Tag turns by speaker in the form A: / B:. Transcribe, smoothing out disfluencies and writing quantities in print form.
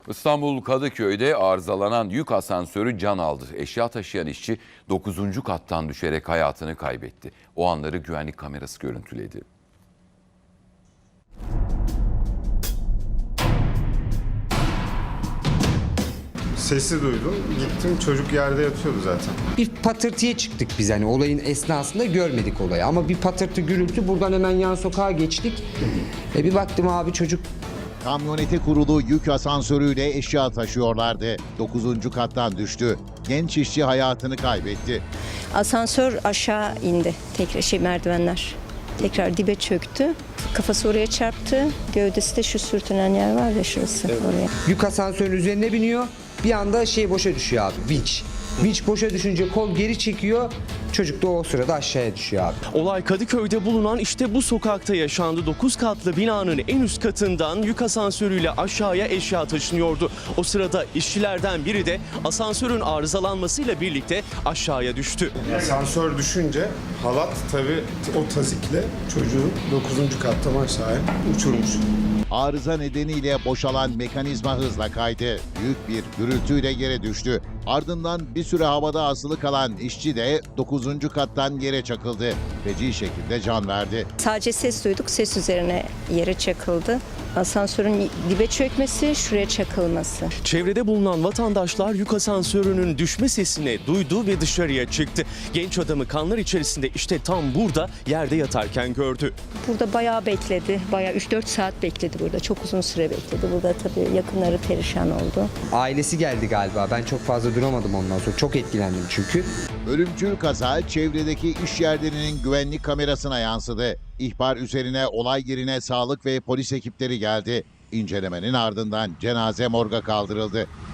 A: İstanbul Kadıköy'de arızalanan yük asansörü can aldı. Eşya taşıyan işçi 9. kattan düşerek hayatını kaybetti. O anları güvenlik kamerası görüntüledi.
B: Sesi duydum. Gittim, çocuk yerde yatıyordu zaten.
C: Bir patırtıya çıktık biz, hani olayın esnasında görmedik olayı ama bir patırtı gürültü, buradan hemen yan sokağa geçtik. Bir baktım abi çocuk.
D: Kamyonete kurulu yük asansörüyle eşya taşıyorlardı. 9. kattan düştü. Genç işçi hayatını kaybetti.
E: Asansör aşağı indi. Tekrar merdivenler. Tekrar dibe çöktü. Kafası oraya çarptı. Gövdesi de şu sürtünen yer var ya, şurası oraya.
C: Yük asansörün üzerine biniyor. Bir anda boşa düşüyor abi, vinç. Vinç boşa düşünce kol geri çekiyor. Çocuk da o sırada aşağıya düşüyor abi.
F: Olay Kadıköy'de bulunan işte bu sokakta yaşandı. 9 katlı binanın en üst katından yük asansörüyle aşağıya eşya taşınıyordu. O sırada işçilerden biri de asansörün arızalanmasıyla birlikte aşağıya düştü.
B: Asansör düşünce halat tabii o tazikle çocuğu 9. kattan aşağıya uçurmuş.
D: Arıza nedeniyle boşalan mekanizma hızla kaydı. Büyük bir gürültüyle yere düştü. Ardından bir süre havada asılı kalan işçi de 9. kattan yere çakıldı. Feci şekilde can verdi.
E: Sadece ses duyduk. Ses üzerine yere çakıldı. Asansörün dibe çökmesi, şuraya çakılması.
F: Çevrede bulunan vatandaşlar yük asansörünün düşme sesini duydu ve dışarıya çıktı. Genç adamı kanlar içerisinde işte tam burada yerde yatarken gördü.
E: Burada bayağı bekledi. Bayağı 3-4 saat bekledi burada. Çok uzun süre bekledi. Burada tabii yakınları perişan oldu.
C: Ailesi geldi galiba. Ben çok fazla duramadım ondan sonra. Çok etkilendim çünkü.
D: Ölümcül kaza çevredeki iş yerlerinin güvenlik kamerasına yansıdı. İhbar üzerine olay yerine sağlık ve polis ekipleri geldi. İncelemenin ardından cenaze morga kaldırıldı.